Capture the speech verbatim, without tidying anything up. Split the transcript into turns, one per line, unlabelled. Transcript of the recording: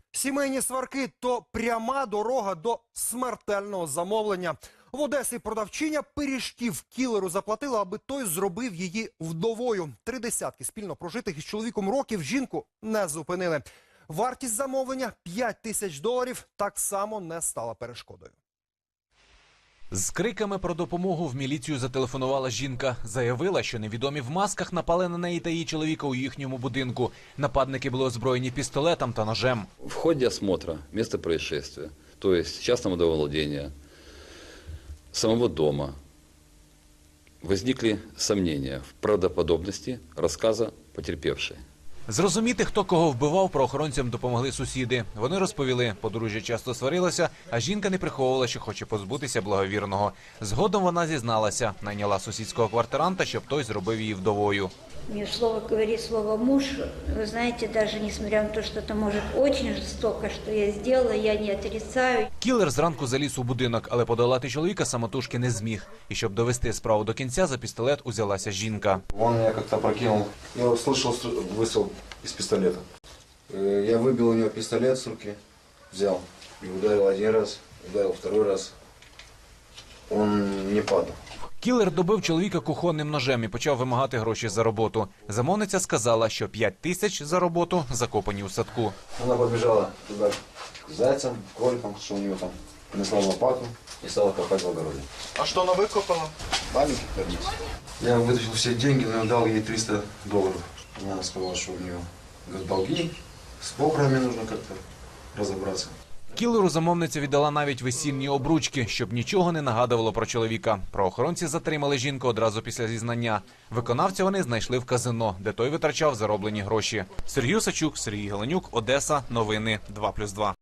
Сімейні сварки – то пряма дорога до смертельного замовлення. В Одесі продавчиня пиріжків кілеру заплатила, аби той зробив її вдовою. Три десятки спільно прожитих із чоловіком років жінку не зупинили. Вартість замовлення – п'ять тисяч доларів – так само не стала перешкодою.
З криками про допомогу в міліцію зателефонувала жінка. Заявила, що невідомі в масках напали на неї та її чоловіка у їхньому будинку. Нападники були озброєні пістолетом та ножем.
В ходе осмотра места происшествия, то есть частного домовладения, самого дома, возникли сомнения в правдоподобности рассказа потерпевшей.
Зрозуміти, хто кого вбивав, правоохоронцям допомогли сусіди. Вони розповіли, подружжя часто сварилося, а жінка не приховувала, що хоче позбутися благовірного. Згодом вона зізналася, найняла сусідського квартиранта, щоб той зробив її вдовою.
Мне слово говорит слово муж. Вы знаете, даже несмотря на то, что это может очень жестоко, что я сделала, я не отрицаю.
Кілер зранку заліз у будинок, але подолати чоловіка самотужки не зміг. І щоб довести справу до кінця, за пістолет узялася жінка.
Он меня как-то опрокинул. Я услышал выстрел из пистолета. Я выбил у него пистолет с руки, взял и ударил один раз, ударил второй раз. Он не падал.
Кілер добив чоловіка кухонним ножем і почав вимагати гроші за роботу. Замовниця сказала, що п'ять тисяч за роботу закопані у садку.
Она побежала туда к зайцам, к кроликам, что у него там. Принесла лопату и стала копать в огороде.
А что она выкопала?
Маленький карниз. Я вытащил все деньги, но дал ей триста долларов. Она сказала, что у нее долги, с покрами нужно как-то разобраться.
Кілеру замовниця віддала навіть весільні обручки, щоб нічого не нагадувало про чоловіка. Правоохоронці затримали жінку одразу після зізнання. Виконавця вони знайшли в казино, де той витрачав зароблені гроші. Сергій Осачук, Сергій Галенюк, Одеса. Новини два плюс два.